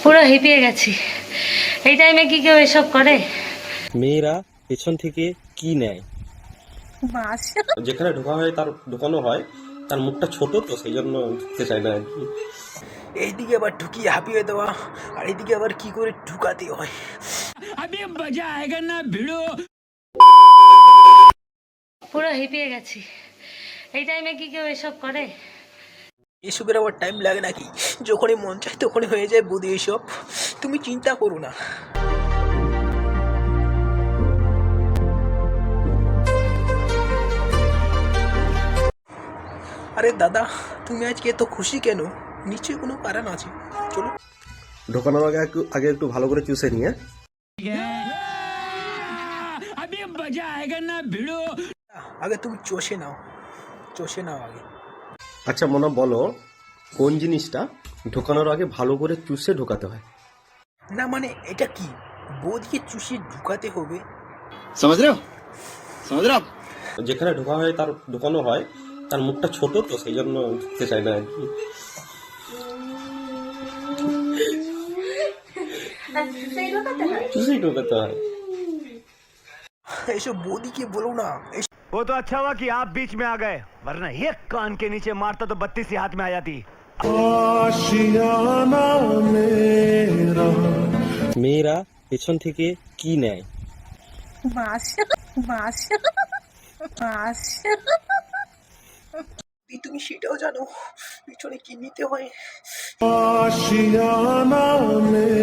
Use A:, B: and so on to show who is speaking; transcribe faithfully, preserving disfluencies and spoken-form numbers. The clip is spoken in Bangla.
A: পুরো হিপিয়ে গেছি। এই টাইমে কি কেউ এসব করে?
B: মেয়েরা পেছন থেকে কি নেয়?
A: মাছ।
B: যেখানে ঢোকা হয় তার ঢোকানো হয়, তার মুখটা ছোট তো সেই জন্য ঢুকতে চায় না আর কি।
C: এইদিকে আবার ঢুকিয়ে হাঁপিয়ে দেওয়া, আর এইদিকে আবার কি করে ঢুকাতে হয়।
A: পুরো হিপিয়ে গেছি। এই টাইমে কি কেউ এসব করে?
C: এসবের আবার টাইম লাগে নাকি? যখনই মন চায় তখনই হয়ে যায় বুদ্ধি এসব। তুমি চিন্তা করো না। আরে দাদা, তুমি আজকে এত খুশি কেন? নিশ্চয়ই কোনো কারণ আছে। চলো।
B: ঢোকানোর আগে একটু আগে একটু ভালো করে চুষে নিয়ে।
C: আগে তুমি চষে নাও, চষে নাও আগে।
B: আচ্ছা মনে বলো, কোন জিনিসটা ঢোকানোর আগে ভালো করে চুষে ঢোকাতে হয়?
C: না মানে এটা কি বৌদিকে চুষিয়ে ঢুকাতে হবে?
D: समझ रहे हो समझ रहे हो आप
B: যেখানে ঢোকা হয় তার ঢোকানো হয়, তার মুখটা ছোট তো সেই জন্য ঢুকতে চায় না আর কি। চুষেই ঢোকাতে হয়।
C: এসব বৌদিকে বলো না।
E: वो तो अच्छा हुआ कि आप बीच में आ गए, वरना एक कान के नीचे मारता तो बत्तीस ही हाथ में आ जाती।
B: মেয়েরা পেছন থেকে কি নেয়?
A: মাছ। মাছ। মাছ।
C: তুমি সেটাও জানো পিছনে কি নিতে হয়?